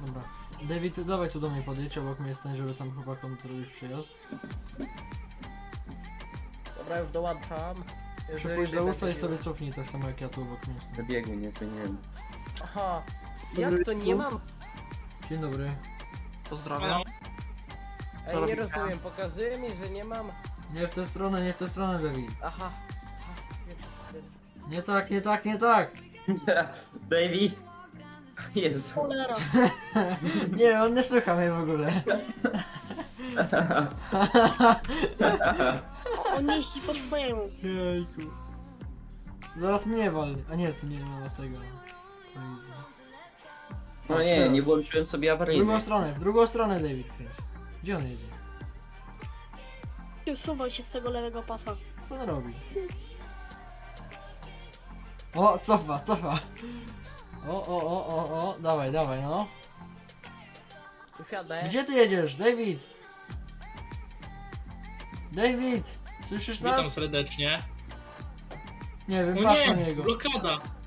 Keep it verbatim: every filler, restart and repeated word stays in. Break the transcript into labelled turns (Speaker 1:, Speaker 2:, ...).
Speaker 1: Dobra. David, dawaj tu do mnie podjedź, obok mnie stań, żeby tam chłopakom zrobić przyjazd.
Speaker 2: Dobra, już dołączam.
Speaker 1: Przypuść za usta i sobie cofnij tak samo jak ja tu obok mnie.
Speaker 3: Zabiegu nie zmieniłem.
Speaker 2: Aha. Jak to nie mam?
Speaker 1: Dzień dobry.
Speaker 4: Pozdrawiam.
Speaker 2: Ej,
Speaker 4: Co
Speaker 2: nie
Speaker 4: robicie?
Speaker 2: rozumiem, pokazuje mi, że nie mam...
Speaker 1: Nie w tę stronę, nie w tę stronę, David.
Speaker 2: Aha.
Speaker 1: Nie tak, nie tak, nie tak!
Speaker 3: David! Jezu.
Speaker 5: Cholera.
Speaker 1: Nie, on nie słucha mnie w ogóle.
Speaker 5: On jeździ po swojemu.
Speaker 1: Jejku. Zaraz mnie wal. A nie, tu nie ma tego. Kolizji.
Speaker 3: No
Speaker 1: Patrz,
Speaker 3: nie,
Speaker 1: teraz.
Speaker 3: nie włączyłem sobie
Speaker 1: W drugą
Speaker 3: awaryjny.
Speaker 1: stronę, w drugą stronę David kręć. Gdzie on jedzie?
Speaker 5: Usuwaj się z tego lewego pasa.
Speaker 1: Co on robi? O, cofa, cofa. O, o, o, o, o, dawaj, dawaj, no.
Speaker 2: Usiadę.
Speaker 1: Gdzie ty jedziesz, David? David! Słyszysz
Speaker 4: Witam
Speaker 1: nas?
Speaker 4: serdecznie.
Speaker 1: Nie wiem,
Speaker 4: O
Speaker 1: patrz na
Speaker 4: nie,
Speaker 1: niego.
Speaker 4: blokada.